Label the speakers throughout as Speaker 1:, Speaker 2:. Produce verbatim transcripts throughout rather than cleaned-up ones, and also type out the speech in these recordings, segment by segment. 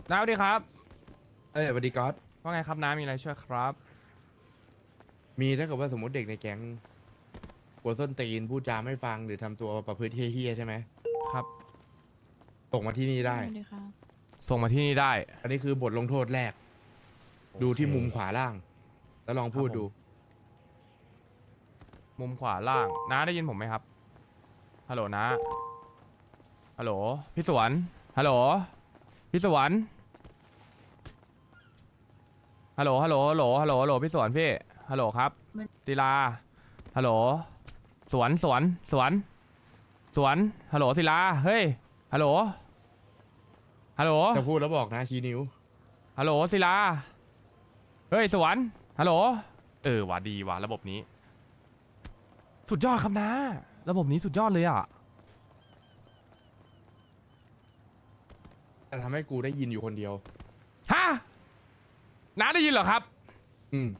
Speaker 1: น้าสวัสดีครับ
Speaker 2: เอ้ยสวัสดีก๊อต
Speaker 1: ว่าไงครับน้ามีอะไรช่วยครับ
Speaker 2: มีถ้าเกิดว่าสมมติเด็กในแก๊งหัวส้นตีนพูดจาไม่ฟังหรือทำตัวประพฤติเฮี้ยๆใช่ไหม
Speaker 1: ครับ
Speaker 2: ส่งมาที่นี่ได้
Speaker 3: สวัสดีครับ
Speaker 1: ส่งมาที่นี่ได้
Speaker 2: อันนี้คือบทลงโทษแรกดู
Speaker 1: โอเค
Speaker 2: ที่มุมขวาล่าง แล้วลองพูด
Speaker 1: ครับผม
Speaker 2: ดู
Speaker 1: มุมขวาล่างน้าได้ยินผมไหมครับฮัลโหลน้าฮัลโหลพี่สวนฮัลโหลพี่สวนฮัลโหลฮัลโหลฮัลโหลฮัลโหลฮัลโหลพี่สวนพี่ฮัลโหลครับศิลาฮัลโหลสวนสวนสวนสวนฮัลโหลศิลาเฮ้ยฮัลโหลฮัลโหล
Speaker 2: จะพูดแล้วบอกนะชี้นิ้ว
Speaker 1: ฮัลโหลศิลาเฮ้ยสวนฮัลโหลเออว่ะดีว่ะระบบนี้ สุดยอดครับนะระบบนี้สุดยอดเลยอ่ะ
Speaker 2: แต่ทำให้กูได้ยินอยู่คนเดียว
Speaker 1: ฮะน้าได้ยินเหรอครับ
Speaker 2: อืม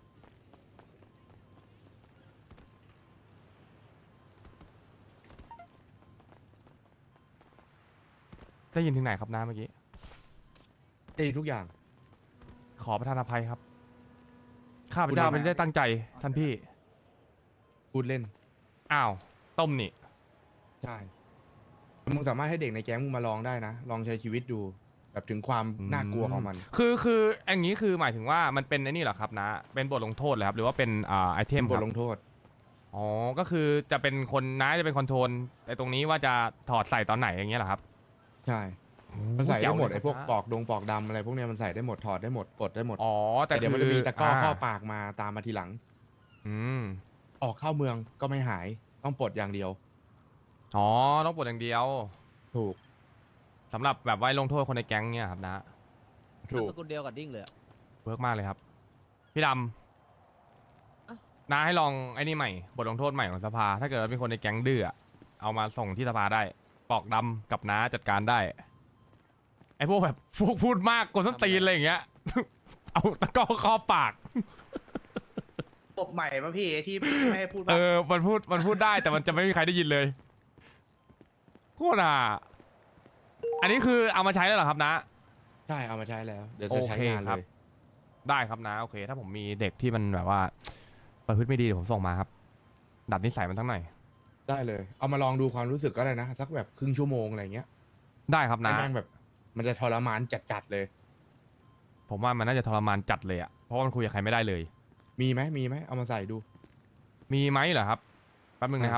Speaker 1: ได้ยินถึงไหนครับน้าเมื่อกี้
Speaker 2: ได้ทุกอย่าง
Speaker 1: ขอประทานอภัยครับข้าพเจ้าไม่ได้ตั้งใจท่านพี่
Speaker 2: พูดเล่น
Speaker 1: อ้าวต้มนี่
Speaker 2: ใช่มึงสามารถให้เด็กในแก๊งมึงมาลองได้นะ ลองใช้ชีวิตดู แบบถึงความน่ากลัวของมัน
Speaker 1: คือคืออย่างนี้คือหมายถึงว่ามันเป็นไอ้นี่เหรอครับนะเป็นบทลงโทษเหรอครับหรือว่าเป็นอ่าไอเทม
Speaker 2: เป็นบ
Speaker 1: ค
Speaker 2: ท
Speaker 1: รับ
Speaker 2: ลงโทษ
Speaker 1: อ๋อก็คือจะเป็นคนน้าจะเป็นคอนโทรลแต่ตรงนี้ว่าจะถอดใส่ตอนไหนอย่างเงี้ยเหรอครับ
Speaker 2: ใช่ มันใส่ได้หมด
Speaker 1: แจ๋
Speaker 2: ไอ้พวก
Speaker 1: เลยครับ
Speaker 2: ปอกดงปอกดำอะไรพวกเนี้ยมันใส่ได้หมดถอดได้หมดปลดได้หมด
Speaker 1: อ๋อแต่
Speaker 2: แต่เดี๋ยวมัน
Speaker 1: คื
Speaker 2: จะมีตะกร้อเข้า
Speaker 1: า
Speaker 2: ปากมาตามมาทีหลัง
Speaker 1: อืม
Speaker 2: ออกเข้าเมืองก็ไม่หายต้องปลดอย่างเดียว
Speaker 1: อ๋อต้องปลดอย่างเดียว
Speaker 2: ถูก
Speaker 1: สำหรับแบบไว้ลงโทษคนในแก๊งเนี่ยครับนะ
Speaker 2: ถูก
Speaker 4: สกุลเดียวกับดิ้งเลยอะ
Speaker 1: เวิร์กมากเลยครับ พี่ดำน้าให้ลองไอ้นี่ใหม่บทลงโทษใหม่ของสภา ถ้าเกิดว่ามีคนในแก๊งดื้ออะเอามาส่งที่สภาได้ ปอกดำกับน้าจัดการได้ ไอ้พวกแบบพวกพูดมากกดส้นตีนอะไรอย่างเงี้ย เอาตะกร้อครอบปาก
Speaker 5: ปบใหม่ป่ะพี่ที่ไม่ให้พูด
Speaker 1: เอ
Speaker 5: ว่า
Speaker 1: อ มันพูด มันพูดได้แต่มันจะไม่มีใครได้ยินเลยโคตรอ่ะอันนี้คือเอามาใช้แล้วเหรอครับนะ
Speaker 2: ใช่เอามาใช้แล้ว เดี๋ยวจะใช้
Speaker 1: โอเค
Speaker 2: งาน
Speaker 1: ค
Speaker 2: เล
Speaker 1: รับ
Speaker 2: ย
Speaker 1: ได้ครับนะโอเค ถ้าผมมีเด็กที่มันแบบว่าประพฤติไม่ดีเดี๋ยวผมส่งมาครับ ดัดนิสัยมันทั้งหน่อย
Speaker 2: ได้เลย เอามาลองดูความรู้สึกก็ได้นะ สักแบบครึ่งชั่วโมงอะไรเงี้ย
Speaker 1: ได้ครับ
Speaker 2: ให้
Speaker 1: นะ
Speaker 2: แม่งแบบ มันจะทรมานจัดๆเลย
Speaker 1: ผมว่ามันน่าจะทรมานจัดเลยอะเพราะว่ามันคุยกับใครไม่ได้เลย
Speaker 2: มีไหมมีไหมเอามาใส่ดู
Speaker 1: มีไหมเหรอครับแป๊บนึงนะครับ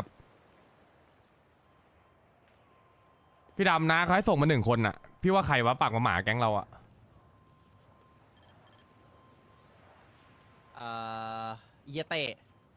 Speaker 1: พี่ดำนะเขาให้ส่งมาหนึ่งคนอะพี่ว่าใครวะปากมาหมาแก๊งเราอะ
Speaker 4: อ่าเอียเตะ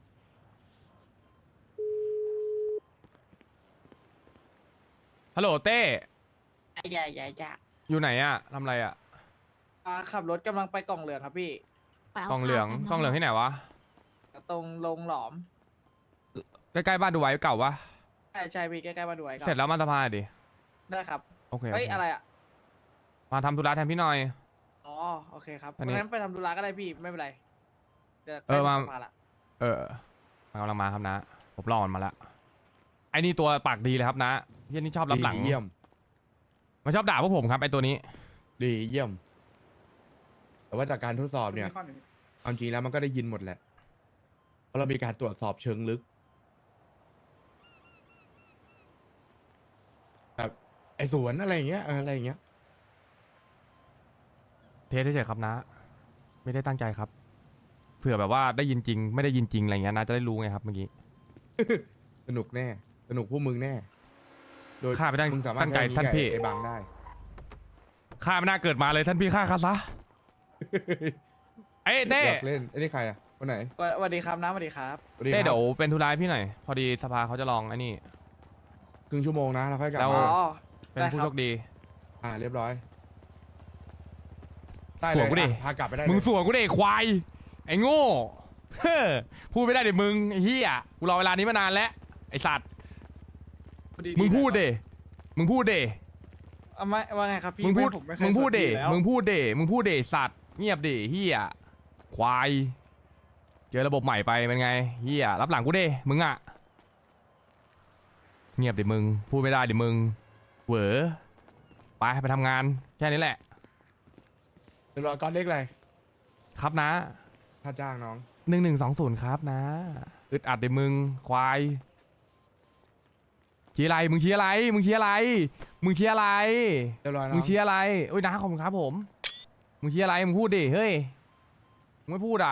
Speaker 1: ฮัลโหลเต้
Speaker 5: อย่าอย่าอย่า
Speaker 1: อยู่ไหนอะทำอะไรอะ
Speaker 5: อ่าขับรถกำลังไปกล่องเหลืองครับพี่
Speaker 3: ไปาก
Speaker 1: ล่องเหลือง
Speaker 3: ข้าว
Speaker 1: กล่องเหลืองที่ไหนวะ
Speaker 5: ตรงลงหลอม
Speaker 1: ใกล้ๆบ้านดูไว้เก่าวะ
Speaker 5: ใช่ใช่พี่ใกล้ๆมาด้วยครั
Speaker 1: เสร็จแล้วมาสภาดิ
Speaker 5: ได้ครับ
Speaker 1: โอเค
Speaker 5: เฮ้ย
Speaker 1: โอเค
Speaker 5: อะไรอ่ะ
Speaker 1: มาทำธุระแทนพี่หน่อย
Speaker 5: อ๋อโอเคครับ
Speaker 1: อันนี้
Speaker 5: งั้นไปทำธุระก็ได้พี่ไม่เป็นไรเดี๋ยว
Speaker 1: เออมา
Speaker 5: ใกล้ถึงสภละ
Speaker 1: เออมันกำลังมาครับนะ ผมรอมันมาแล้วไอ้นี่ตัวปากดีเลยครับนะเฮียนี่ชอบรับหลัง
Speaker 2: ดีเยี่ยม
Speaker 1: มันชอบด่าพวกผมครับไอ้ตัวนี้
Speaker 2: ดีเยี่ยม แต่ว่าจากการทดสอบเนี่ย
Speaker 5: มีข้อหนึ่ง
Speaker 2: เอาจริงแล้วมันก็ได้ยินหมดแหละ เพราะเรามีการตรวจสอบเชิงลึก แบบไอ้สวนอะไรอย่างเงี้ยเอออะไรอย่างเงี้ย
Speaker 1: เทสเฉยๆครับนะ ไม่ได้ตั้งใจครับ เผื่อแบบว่าได้ยินจริง ไม่ได้ยินจริงอะไรเงี้ยนะจะได้รู้ไงครับเมื่อกี้
Speaker 2: สนุกแน่ สนุกพวกมึงแน่ โดย
Speaker 1: ข้าไม่ได้
Speaker 2: มึงสามารถ
Speaker 1: ตั้งใจ
Speaker 2: ใช้
Speaker 1: ท่านพี่
Speaker 2: ไอ้บางได้
Speaker 1: ข้าไม่น่าเกิดมาเลยท่านพี่ข้าข้าซะเอ้ยเต้
Speaker 2: อยากเล่นไอ้นี่ใครอ่ะคนไหน
Speaker 5: สวัสสวัสดีครับน้ำสวัสดีครับ
Speaker 2: สวัสดี
Speaker 1: เต้
Speaker 2: ครับ
Speaker 1: เดี๋ยวเป็นธุระให้พี่หน่อย พอดีสภาเขาจะลองไอ้นี่
Speaker 2: ครึ่งชั่วโมงนะแล้วค่อยกลับ
Speaker 1: แล้ว
Speaker 2: มา
Speaker 5: อ๋อ
Speaker 1: เป็น
Speaker 5: ได้
Speaker 1: ผู้
Speaker 5: ครับ
Speaker 1: โชคดี
Speaker 2: อ่าเรียบร้อยได้
Speaker 1: ส
Speaker 2: เล
Speaker 1: วย
Speaker 2: ย
Speaker 1: กูดิ
Speaker 2: อ่ะพากลับไปได้
Speaker 1: มึง
Speaker 2: เลย
Speaker 1: สวนกูเด็กควาย ไอ้โง่เฮ้อพูดไม่ได้เดี๋ยวมึงไอ้เหี้ยกูรอเวลานี้มานานแล้วไอ้สัตว์
Speaker 5: พอดี
Speaker 1: มึงพูด
Speaker 5: นะ
Speaker 1: เดมึงพูดเด
Speaker 5: เอาไม่ว่าไงครับพี่
Speaker 1: มึงพูด
Speaker 5: ไผมไคย
Speaker 1: มึงพูดเด
Speaker 5: สนอยู่แล้ว
Speaker 1: มึงพูดเดมึงพูดเดสัตว์เงียบเดเหี้ยควายเจอระบบใหม่ไปเป็นไงเหี้ยรับหลังกูเดมึงอะเงียบเดมึงพูดไม่ได้เดมึงเหวอไปไปทำงานแค่นี้แหละ
Speaker 2: เรียบร้อยก้อนเล็กอะไร
Speaker 1: ครับนะ
Speaker 2: ถ้าจ้างน้อง
Speaker 1: หนึ่งหนึ่งสองศูนย์ครับนะอึดอัดเดี๋ยวมึงควายเชียร์อะไรมึงเชียร์อะไรมึงเชียร์อะไรมึงเชียร์อะไร
Speaker 2: เรียบร้อยน้อง
Speaker 1: มึงเชียร์อะไรโอ้ยนะขอบคุณครับผมมึงเชียร์อะไรมึงพูดดิเฮ้ยมึงไม่พูดอ่ะ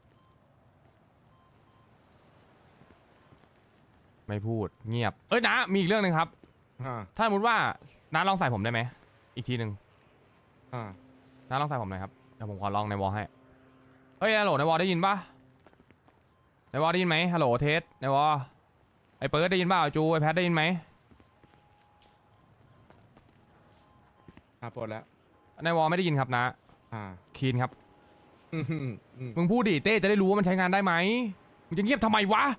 Speaker 1: ไม่พูดเงียบเอ้ยนะมีอีกเรื่องหนึ่งครับ
Speaker 2: อ่า
Speaker 1: ถ้าสมมติว่าน้าลองใส่ผมได้ไหมอีกทีหนึ่ง
Speaker 2: อ่า
Speaker 1: น้าลองใส่ผมหน่อยครับเดี๋ยวผมขอลองในวอลให้เฮ้ยฮัลโหลในวอลได้ยินปะในวอลได้ยินไหมฮัลโหลเทสในวอลไอเปิร์ดได้ยินเปล่าจูไอแพทได้ยินไหม
Speaker 2: อ่าปลดแล้ว
Speaker 1: ในวอลไม่ได้ยินครับนะ
Speaker 2: อ่า
Speaker 1: คีนครับ
Speaker 2: อืมอืมอืม
Speaker 1: มึงพูดดิเต้จะได้รู้ว่ามันใช้งานได้ไหมมึงจะเงียบทำไมวะ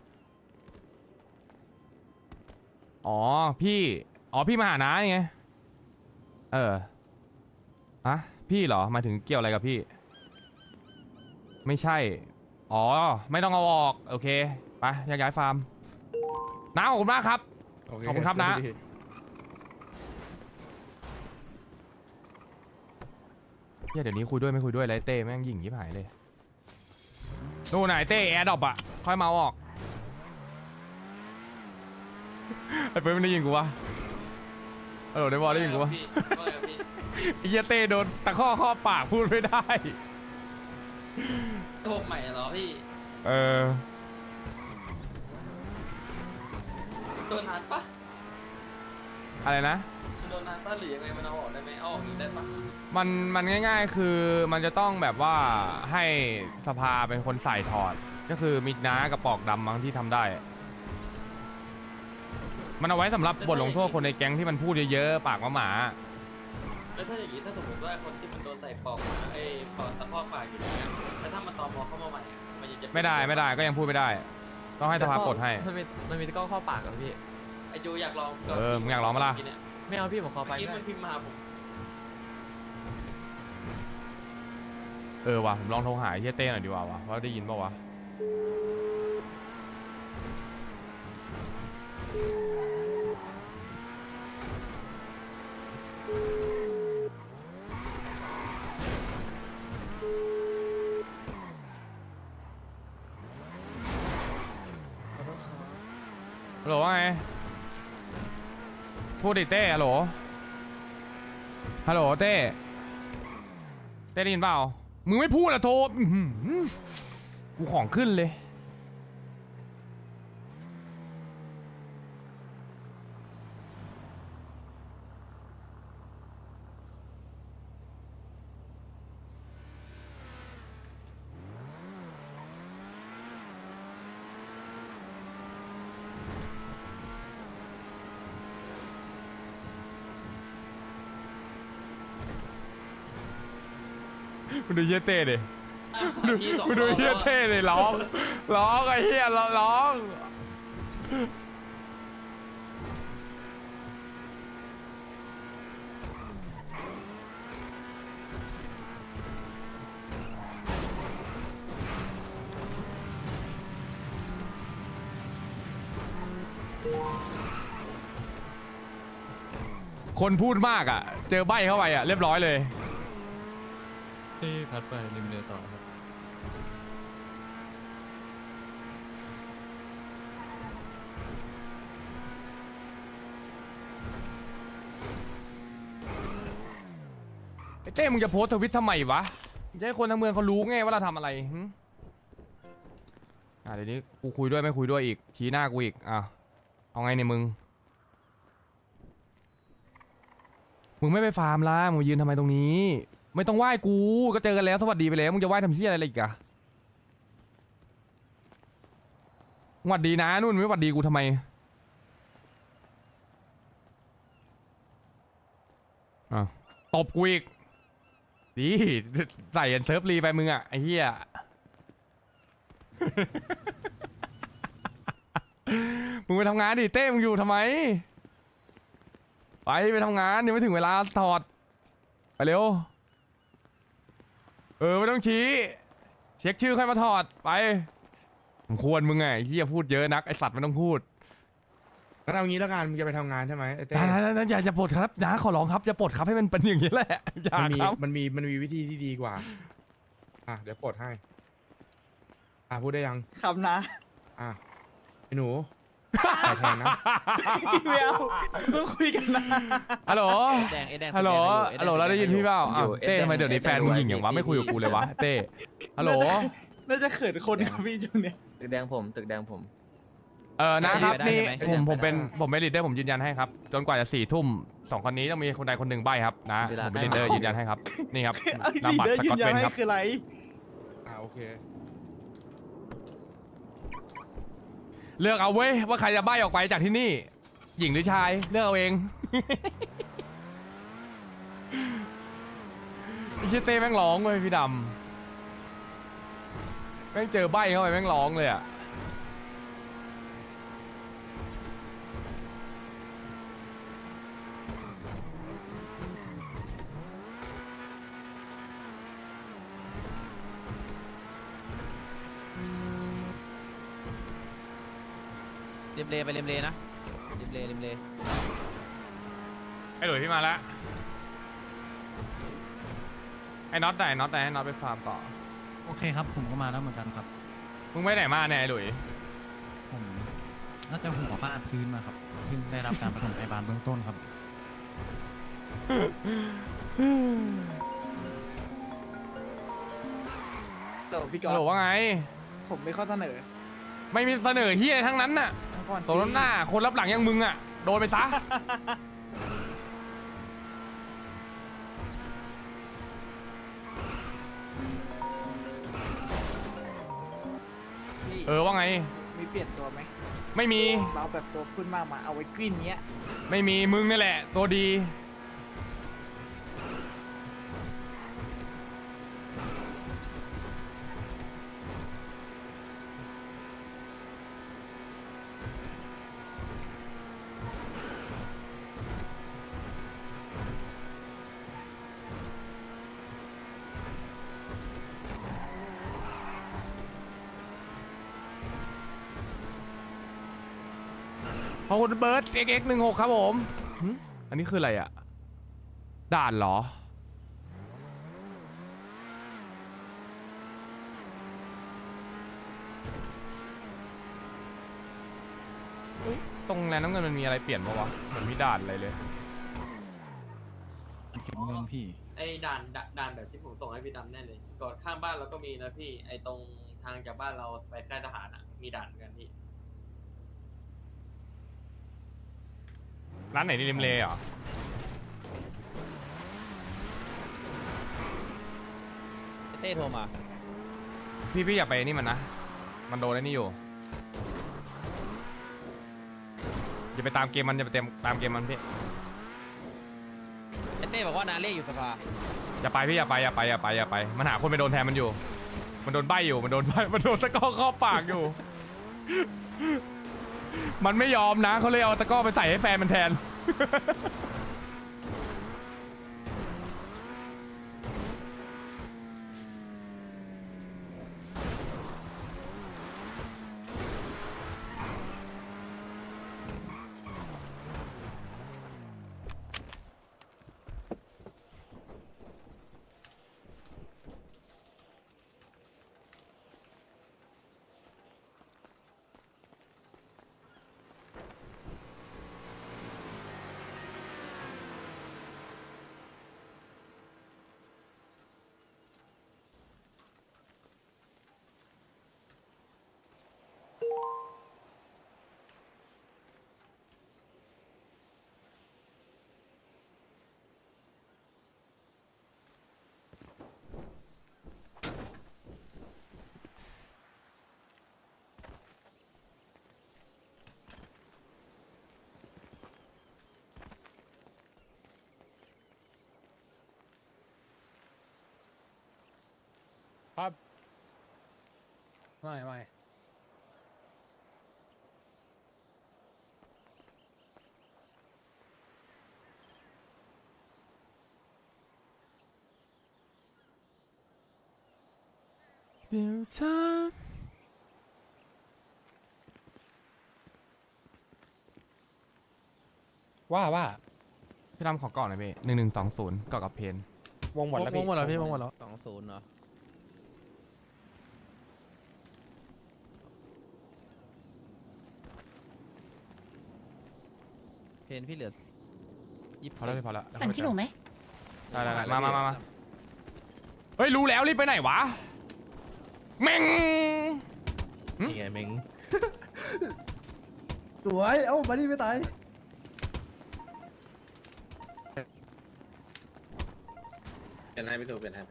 Speaker 1: อ๋อพี่อ๋อพี่มาหาน้าไงเอออะพี่เหรอหมายถึงเกี่ยวอะไรกับพี่ ไม่ใช่ อ๋อ ไม่ต้องเอาออก โอเค ไปย้ายย้ายฟาร์มน้าขอบคุณมากครับ
Speaker 2: โเ
Speaker 1: ขอบคุณครับนะ เฮียเดี๋ยวนี้คุยด้วยไม่คุยด้วยไรเต้แม่งยิงยิบหายเลยนู่นไหนเต้แอร์ดรอปอะค่อยมาเอาออก ไอ้เปิ้ลไม่ได้ยินกูวะเออได้บอลได้ยินกูวะ
Speaker 3: พี่ว่าไงพี่
Speaker 1: ไอ้เฮียเต้โดนตะข้อข้อปากพูดไม่ได้
Speaker 3: ระบบใหม่เหรอพี่
Speaker 1: เออ
Speaker 3: โดนนานปะ
Speaker 1: อะไรนะ
Speaker 3: โดนนานปะหรือยังไงมันเอาออกได้ไหมเอาออกอีกได้ปะ
Speaker 1: มันมันง่ายๆ คือมันจะต้องแบบว่าให้สภาเป็นคนใส่ถอด ก็คือมีน้ากับปอกดำมั้งที่ทำได้ มันเอาไว้สำหรับบทลงโทษคนในแก๊งที่มันพูดเยอะๆ ปากว่าหมา
Speaker 3: แล้วถ้าอย่างนี้ถ้าสมมติว่าคนที่มันโดนใส่ปอกไอ้ปอกตะพอกปากอยู่เนี่ยแล้วถ้ามันตอมอเข้ามาใหม่อะมันจะ
Speaker 1: ไม่ได้ไม่ได้ก็ยังพูดไม่ได้ ต้องให้สภากดให้
Speaker 6: มันมีมันมีตะกร้อเข้าปากกับพี่
Speaker 3: ไอจูอยากลอง
Speaker 1: เออมึงอยากลองปะล่ะ
Speaker 3: เนี่ย
Speaker 6: ไม่เอาพี่ผมขอไฟ
Speaker 3: เมื่อกี้
Speaker 6: ได้
Speaker 3: มันพิมพ์มาหาผม
Speaker 1: เออว่ะผมลองโทรหาไอ้เฮียเต้หน่อยดีกว่าวะว่าได้ยินป่าวะ ฮัลโหลว่าไง พูดดิเต้ฮัลโหล ฮัลโหลเต้ เต้ได้ยินเปล่า มึงไม่พูดอะโทรอื้อหือกูของขึ้นเลย มึงดูเฮียเต้ดิ
Speaker 3: อ่ะพี่สอง
Speaker 1: มึงดูเฮียเต้ดิร้องร้องไอ้เฮียร้องร้องคนพูดมากอ่ะ เจอใบเข้าไปอ่ะ เรียบร้อยเลย
Speaker 6: ที่พัดไปริมเรือต่อครับ
Speaker 1: ไอ้เต้มึงจะโพสต์ทวิตทำไมวะจะให้คนทั้งเมืองเขารู้ไงว่าเราทำอะไรหึอ่ะเดี๋ยวนี้กูคุยด้วยไม่คุยด้วยอีกชี้หน้ากูอีกอ่ะเอาไงเนี่ยมึง มึงไม่ไปฟาร์มละมึงมายืนทำไมตรงนี้ ไม่ต้องไหว้กูก็เจอกันแล้วสวัสดีไปแล้วมึงจะไหว้ทำเชี่ยอะไรอีกอะสวัสดีนะนู่นไม่สวัสดีกูทำไมอ่ะตบกูอีกดีใส่เซิร์ฟรีไปมึงอะไอ้เหี้ย มึงไปทำงานดิเต้มึงอยู่ทำไมไปไปทำงานยังไม่ถึงเวลาถอดไปเร็วเออไม่ต้องชี้เช็คชื่อค่อยมาถอดไปผมควรมึงไงไอ้เหี้ยพูดเยอะนักไอสัตว์ไม่ต้องพูด
Speaker 2: นงั้นเอางี้แล้วกันมึงจะไปทำงานใช่ไหมไอ้เต้
Speaker 1: นะนะนะอย่าอย่าปลดครับนะขอร้องครับอย่าปลดครับให้มันเป็นอย่างนี้แหละอย่า
Speaker 2: มันมี
Speaker 1: ครับ
Speaker 2: มันมีมันมีวิธีที่ดีกว่า อ่ะเดี๋ยวปลดให้ อ่ะพูดได้ยัง
Speaker 5: ครับนะ
Speaker 2: อ่ะไอ้หนูขอแทนนะ
Speaker 5: ไม่เอาต้องคุยกันนะ
Speaker 1: ฮัลโหล
Speaker 4: แดงไอ้แดง
Speaker 1: ฮัลโหล
Speaker 4: ไอ้แดง
Speaker 1: ฮัลโหลเราได้ยินพี่เปล่า
Speaker 7: อ
Speaker 1: อ้าว
Speaker 7: ยู่
Speaker 1: เต้
Speaker 7: เอ็ดแดง
Speaker 1: ทำไมเดี๋ยวนี้แฟนมึงหญิงอย่างวะไม่คุยกับกูเลยวะเต้ฮัลโหล
Speaker 5: น่าจะเขินคนครับพี่จุงเนี่ย
Speaker 7: ตึกแดงผมตึกแดงผม
Speaker 1: เออนะครับ
Speaker 4: ได้
Speaker 1: นี่
Speaker 4: ใช่ไหม
Speaker 1: ผมผม
Speaker 7: ได้
Speaker 1: เป็นผมเป็นลีดเดอร์ผมยืนยันให้ครับจนกว่าจะสี่ทุ่มสองคนนี้ต้องมีคนใดคนหนึ่งใบครับนะ
Speaker 7: เวลา
Speaker 1: ผมเป็นลีดเดอร์ยืนยันให้ครับนี่ครับ
Speaker 5: เอา
Speaker 1: นามบัตร
Speaker 5: ลีดเดอร์
Speaker 1: ส
Speaker 5: ยื
Speaker 1: กอต
Speaker 5: นยั
Speaker 1: เวน น
Speaker 5: ให้
Speaker 1: ครับ
Speaker 5: คืออะไร
Speaker 2: อ่ะโอเค
Speaker 1: เลือกเอาเว้ยว่าใครจะใบออกไปจากที่นี่ หญิงหรือชายเลือกเอาเอง ไอ้เชี่ยเต้แม่งร้องเลยพี่ดำแม่งเจอใบเข้าไปแม่งร้องเลยอ่ะ
Speaker 4: เลียมเลไปเลียมเลนะเลียมเลเลียมเล
Speaker 1: ไอ้หลุยพี่มาแล้วไอ้น็อตไหนน็อตไหนให้น็อตไปฟาร์มต่อ
Speaker 6: โอเคครับ ผมก็มาแล้วเหมือนกันครับ
Speaker 1: มึงไปไหนมาเนี่ยไอ้หลุย
Speaker 6: ผมน่าจะหัวฟาดพื้นมาครับเพิ่งได้รับการปฐมพยาบาลเบื้องต้นครับ
Speaker 5: เดี๋ยวพี่กอ
Speaker 1: ฮัลโหล
Speaker 5: ล์ฟ
Speaker 1: ว่าไง
Speaker 5: ผมไม่ข้อเสนอ
Speaker 1: ไม่มีเสนอเฮียอะไรทั้งนั้นน่ะ
Speaker 5: ทั้งก่อน
Speaker 1: สมน้ำหน้าคนรับหลังอย่างมึงอ่ะโดนไปซะ
Speaker 5: พี่
Speaker 1: เออว่าไง
Speaker 5: มีเปลี่ยนตัวไหม
Speaker 1: ไม่มี
Speaker 5: เราแบบตัวพุ่นมากมาเอาไว้กลิ้นเงี้ย
Speaker 1: ไม่มีมึงนี่แหละ ตัวดี ขอบคุณเบิร์ด เอ็กซ์ เอ็กซ์ หนึ่งหกครับผมหึอันนี้คืออะไรอ่ะ ด่านเหรอ เฮ้ยตรงแลนน้ำเงินมันมีอะไรเปลี่ยนปะวะเหมือนมีด่านอะไรเลย
Speaker 6: อันเก็บเงินพี่
Speaker 3: ไอ้ด่านด่านด่านแบบที่ผมส่งให้พี่ดำแน่เลยก่อนข้างบ้านเราก็มีนะพี่ ไอ้ตรงทางจากบ้านเราไปค่ายทหารอ่ะ มีด่านเหมือนกันพี่
Speaker 1: ร้านไหนนี่ริมเลเหรอ
Speaker 4: เต้โทรมา
Speaker 1: พี่พี่อย่าไปนี่มันนะ มันโดนไอ้นี่อยู่ อย่าไปตามเกมมันอย่าไปเต็มตามเกมมันพี่
Speaker 4: ไอ้เต้บอกว่านาเล่อยู่สภา
Speaker 1: อย่าไปพี่อย่าไปอย่าไปอย่าไปอย่าไป มันหาคนไปโดนแทนมันอยู่ มันโดนใบอยู่ มันโดนใบมันโดนตะกร้อครอบปากอยู่ มันไม่ยอมนะเขาเลยเอาตะกร้อไปใส่ให้แฟนมันแทน
Speaker 8: ครับไม่ไม่
Speaker 1: เดี๋ยวเธอ
Speaker 8: ว่าว่า
Speaker 1: พี่ดำขอก่อนหน่อยพี่หนึ่งหนึ่งสองศูนย์ก่อกับเพน
Speaker 8: วงหมดแล้ว
Speaker 4: ว
Speaker 8: พี่
Speaker 4: งหมดแล้วพี่วงหมดแล้วสองศูนย์เหรอเพนพี่เหลือยี่สิบ
Speaker 1: พอแล้วพี่พอแล้ว
Speaker 7: ปั่นที่หนูไหม
Speaker 1: ได้ได้ได้มามามามาเฮ้ยรู้แล้วรีบไปไหนวะเม่ง
Speaker 2: นี่ไงเม้ง
Speaker 5: สวยเอ้ามาดิไม่ตายเป็นให้พี่ตูเป็นให้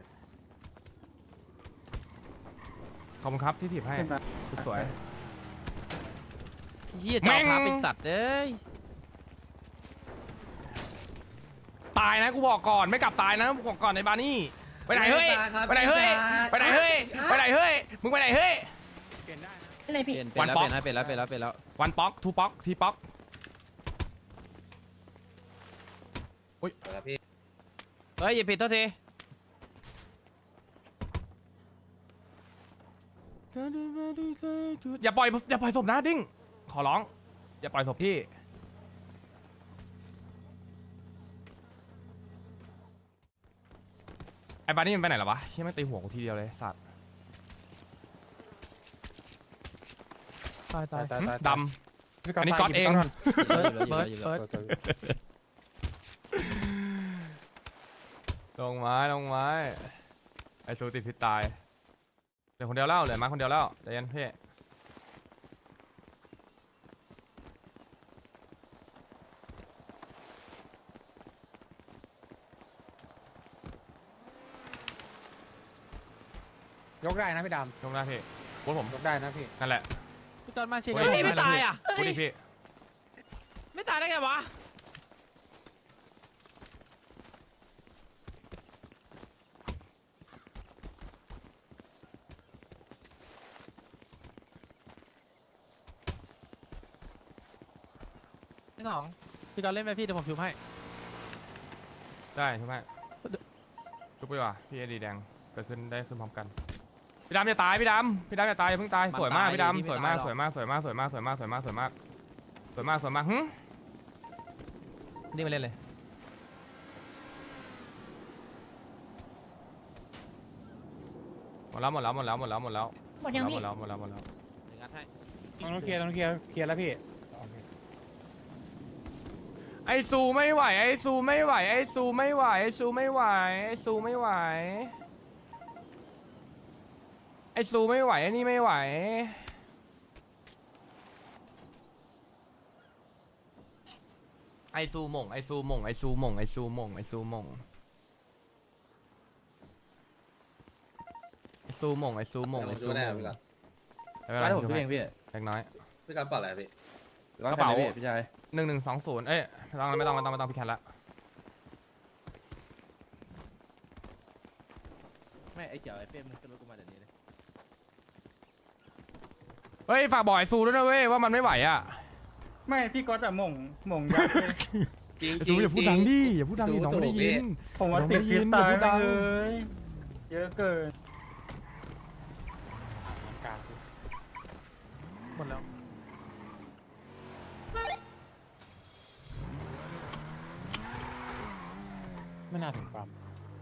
Speaker 1: ขอบคุณครับที่ถีบให้สวย
Speaker 4: เฮียจอพาเป็นสัตว์เอ้ย
Speaker 1: ตายนะกูบอกก่อนไม่กลับตายนะกูบอกก่อนในบานี่ไปไหนเฮ้ยไปไหนเฮ้ยไปไหนเฮ้ยไปไหนเฮ้ยมึงไปไหนเฮ้ย
Speaker 7: อะไร
Speaker 4: เป
Speaker 7: พี่
Speaker 4: ลี่ยนเป็นแล้ว
Speaker 1: วันป๊อก
Speaker 4: เป็นแล้วเป็นแล้วเป็นแล้วเป็นแล้ว
Speaker 1: วันป๊อกทูป๊อกทีป๊อก
Speaker 4: เฮ้ยอย่าผิดโทษที
Speaker 1: อย่าปล่อยอย่าปล่อยศพนะดิ้งขอร้อง อย่าปล่อยศพพี่ไอ้บานี่มันไปไหนหรอวะเชี่ยไม่ตีหัวกูทีเดียวเลยสัตว์
Speaker 8: ตายตายตาย
Speaker 1: หึ
Speaker 8: ตาย
Speaker 1: ด
Speaker 8: พี่
Speaker 1: ำอันนี้ก๊อตเอง
Speaker 4: เบิร์ดเบิร์ดเบิร์ด
Speaker 1: ลงไม้ลงไม้ไอ้ซูติดพิษตายเหลือคนเดียวแล้วเหลือมาคนเดียวแล้วใจเย็นพี่
Speaker 8: กได้นะพี่ด
Speaker 1: ยกหน้าพี่พูดผม
Speaker 8: ำยกได้นะพี่
Speaker 1: นั่นแหละ
Speaker 4: พี่จอนมาเช็ค
Speaker 1: เฮ้
Speaker 4: เฮ้ยไม่ตายอ่ะ
Speaker 1: พูดดิพี่
Speaker 4: ไม่ตายได้ไงวะพี่หนองพี่จอนเล่นไปพี่เดี๋ยวผมชุบให้
Speaker 1: ได้ใช่ไหมชุบไปดีกว่าพี่เอดีแดงเกิดขึ้นได้ขึ้นพร้อมกันพี่ดำอย่าตายพี่ดำพี่ดำอย่าตายอย่าเพิ่งตายสวยมากพี่ดำสวยมากสวยมากสวยมากสวยมากสวยมากสวยมากสวยมากสวยมากสวยมากหึนี่มาเล่นเลยหมดแล้วหมดแล้วหมดแล้วหมดแล้วหมดแล้ว
Speaker 7: หมดยัง
Speaker 1: หม
Speaker 7: พี่
Speaker 1: ดแล้วหมดแล้วหมดแล้ว
Speaker 4: งัดให้
Speaker 8: ต้องเคลียร์ต้องเคลียร์เคลียร์แล้วพี่
Speaker 1: ไอซูไม่ไหวไอซูไม่ไหวไอซูไม่ไหวไอซูไม่ไหวไอซูไม่ไหวไอซูไม่ไหวไอนี่ไม่ไหวไอซูหม่งไอซูหม่งไอซูหม่งไอซูหม่งไอซูหม่งไอซูหม่งไอซูหม่งไอซูหม่ง
Speaker 2: ร้านผมช่วยเองพี่
Speaker 1: เล็กน้อย
Speaker 5: พี่การปล่อยอะไรพี่
Speaker 1: กระเป๋า
Speaker 2: พี่ชาย
Speaker 1: หนึ่งหนึ่งสองศูนย์เอ้ยไม่ต้องไม่ต้องไม่ต้องไม่ต้องพี่แคทละ
Speaker 2: ไม่ไอ้เจ๋อไอ้เป้มันขึ้นรถกูมาเดี๋ยวนี้เลย
Speaker 1: เฮ้ยฝากบอกไอซูด้วยนะเว้ยว่ามันไม่ไหวอ่ะ
Speaker 8: ไม่พี่ก๊อตอะหม่งหม่งยักษ์เลย
Speaker 5: จริง
Speaker 1: ไอซูอย่าพูดดังดิอย่าพูดดังดิน้องไม่ได้ยิน
Speaker 8: ผมว่า
Speaker 1: น้อง
Speaker 8: ติ
Speaker 1: ไม่
Speaker 8: ด
Speaker 1: ได้
Speaker 8: ฟิ
Speaker 1: ยิ
Speaker 8: ต
Speaker 1: น
Speaker 8: ตาย
Speaker 1: อย่าพูดดัง
Speaker 8: เลยเยอะเกินหมดแล้ว ไม่น่าถึงปั๊ม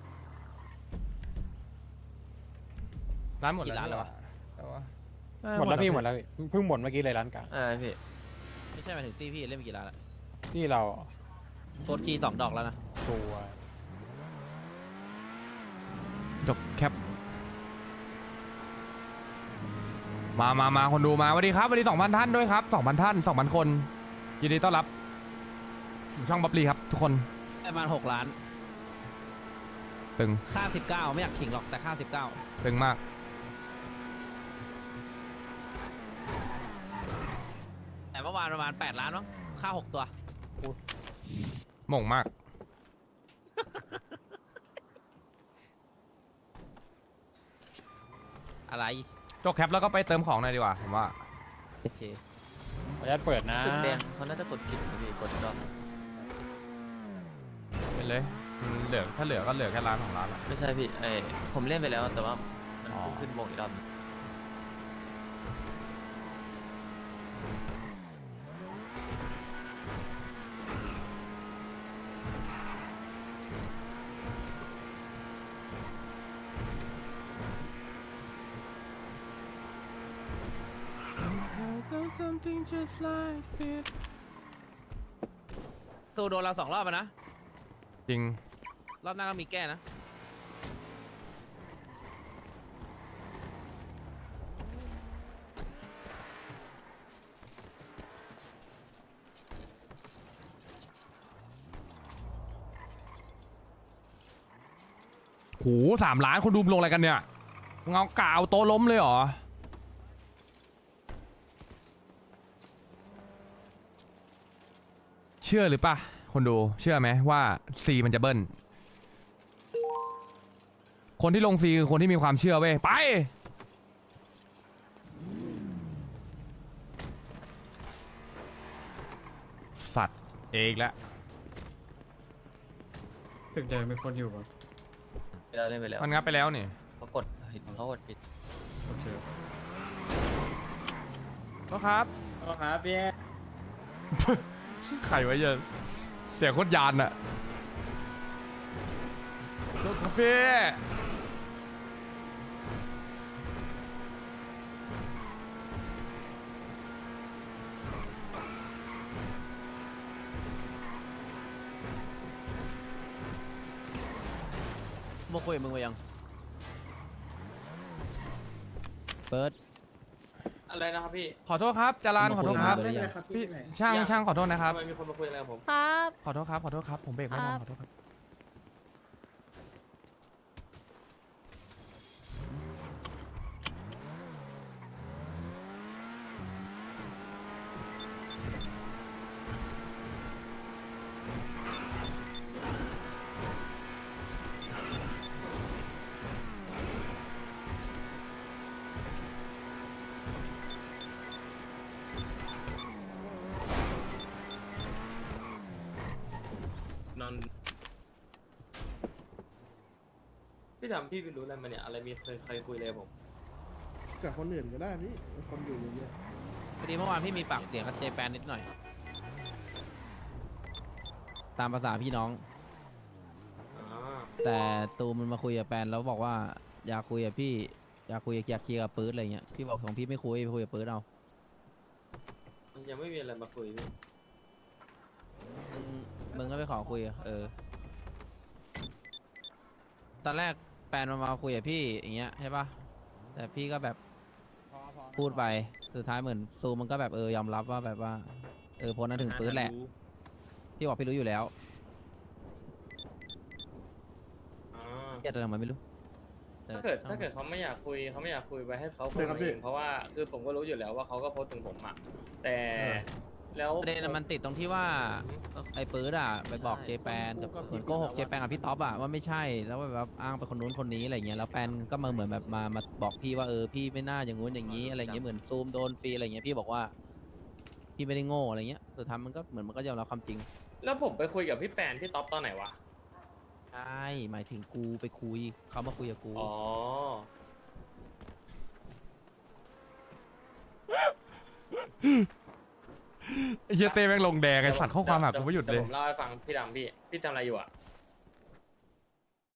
Speaker 1: ร้านหมด
Speaker 4: กี่ร้านแล้ววะ
Speaker 1: แต่ว่า
Speaker 8: หมดแล้วพี่หมดแล้วพี่เพิ่งหมดเมื่อกี้เลยร้านกลาง
Speaker 2: เออพี่
Speaker 4: ไม่ใช่หมายถึงตีพี่เล่นไปกี่ร้านละ
Speaker 8: ที่เรา
Speaker 4: โคตรคีย์สองดอกแล้วนะ
Speaker 8: ตัว
Speaker 1: จบแคปมามามาคนดูมาสวัสดีครับสวัสดีสองพันท่านด้วยครับสองพันท่านสองพันคนยินดีต้อนรับสู่ช่องบับลีครับทุกคน
Speaker 4: ประมาณหกล้าน
Speaker 1: ตึง
Speaker 4: ค่าสิบเก้าไม่อยากขิงหรอกแต่ค่าสิบเก้า
Speaker 1: ตึงมาก
Speaker 4: แต่เมื่อวานประมาณแปดล้านมั้งค่าหกตัว
Speaker 1: หม่งมาก
Speaker 4: อะไร
Speaker 1: จบแคปแล้วก็ไปเติมของหน่อยดีกว่าผมว่า
Speaker 4: โอเค
Speaker 8: ขออนุญาตเปิดนะ
Speaker 2: ตึกแดงเขาน่าจะกดผิดนะพี่กดดอก
Speaker 1: เป็นเลยอืมเหลือถ้าเหลือก็เหลือแค่ร้านของร้านละ
Speaker 2: ไม่ใช่พี่ไอผมเล่นไปแล้วแต่ว่ามัน
Speaker 1: อ๋อ
Speaker 2: เพิ่งขึ้นวงอีกรอบหนึ่ง
Speaker 1: ม something just like this
Speaker 4: ตูโดนเราสองรอบอะนะ
Speaker 1: จริง
Speaker 4: รอบหน้าก็มีแก้นะ
Speaker 1: โหสามล้านคนดูลงอะไรกันเนี่ยเงากาวโตะล้มเลยเหรอ เชื่อหรือปะคนดูเชื่อไหมว่าซีมันจะเบิ้ลคนที่ลงซีคือคนที่มีความเชื่อเว้ยไปสัตว์เอกแล้ว
Speaker 6: ตึกใหญ่มีคนอยู่ปะ
Speaker 3: เราเล่นไปแล้ว
Speaker 1: มันงับไปแล้วนี่
Speaker 3: เขากดเห็นเขากดปิด
Speaker 6: โอเค
Speaker 1: ก็ครับ
Speaker 6: ก็ครับพี่
Speaker 1: ไข่ไว้เยอะเสียงโคตรยานอะรถคาเฟ่
Speaker 4: มาคุยกับมึงไปยัง เปิด
Speaker 3: อะไรนะครับพี่
Speaker 1: ขอโทษครับจารานขอโทษครับ
Speaker 4: ไม่
Speaker 5: ไม่
Speaker 4: เป็
Speaker 5: เป็น น
Speaker 4: ไร
Speaker 5: ไรครับ
Speaker 1: พี่
Speaker 5: พี่ไม่เป็นไร
Speaker 1: ช่างช่างขอโทษนะครับ
Speaker 3: ทำไมมีคนมาคุยอะไรกับผม
Speaker 7: ครับ
Speaker 1: ขอโทษครับขอโทษครับผมเบรกไม่ทัน
Speaker 7: ครับ
Speaker 1: ขอโทษครับ
Speaker 3: นอนพี่ดำพี่ไปรู้อะไรมาเนี่ยอะไรมีเคยเคยคุยเลยผม
Speaker 5: กับคนอื่นก็ได้พี่คนอยู่เยอะ
Speaker 4: พอดีเมื่อวานพี่มีปากเสียงกับเจแปนนิดหน่อย ตามภาษาพี่น้อง
Speaker 3: อ่า
Speaker 4: แต่ตูมมันมาคุยกับแปนแล้วบอกว่าอยากคุยกับพี่อยากคุยอยากเคลียร์กับปื๊ดอะไรเงี้ยพี่บอกของพี่ไม่คุยไปคุยกับปื๊ดเอา
Speaker 3: มันยังไม่มีอะไรมาคุยพี่
Speaker 4: มึงมึงก็ไปขอคุยอะเออ ตอนแรกแปนมันมาคุยกับพี่อย่างเงี้ยใช่ปะแต่พี่ก็แบบพูดไปสุดท้ายเหมือนซูมันก็แบบเออยอมรับว่าแบบว่าเออพ้นนั้นถึงปื๊ดแหละ พี่บอกพี่รู้อยู่แล้ว
Speaker 3: อ่า
Speaker 4: เครียดอะไรทำไมไม่รู้แต่
Speaker 3: ถ้าเกิดถ้าเกิดเขาไม่อยากคุยเขาไม่อยากคุยไปให้เขาคุยมาเองเพราะว่าคือผมก็รู้อยู่แล้วว่าเขาก็โพสต์ถึงผมอ่ะแต่แล้ว
Speaker 4: ประเด็นนะมันติดตรงที่ว่าไอ้ปื๊ดอ่ะไปบอกเจแปนกับเหมือนโกหกเจแปนกับพี่ท็อปอ่ะว่าไม่ใช่แล้วแบบอ้างไปคนนู้นคนนี้อะไรเงี้ยแล้วแปนก็มาเหมือนแบบมามาบอกพี่ว่าเออพี่ไม่น่าอย่างงู้นอย่างนี้อะไรเงี้ยเหมือนซูมโดนฟรีอะไรเงี้ยพี่บอกว่าพี่ไม่ได้โง่อะไรเงี้ยสุดท้ายมันก็เหมือนมันก็ยอมรับความจริง
Speaker 3: แล้วผมไปคุยกับพี่แปนพี่ท็อปตอนไหนวะ
Speaker 4: ใช่หมายถึงกูไปคุยเขามาคุยกับกู
Speaker 3: อ๋อ
Speaker 1: ไอ้เหี้ยเต้แม่งลงแดงไอ้สัตว์ข้อความหากูไม่หยุดเลย
Speaker 3: ผมเล่าให้ฟังพี่ดำพี่พี่ทำอะไรอยู่อ่ะ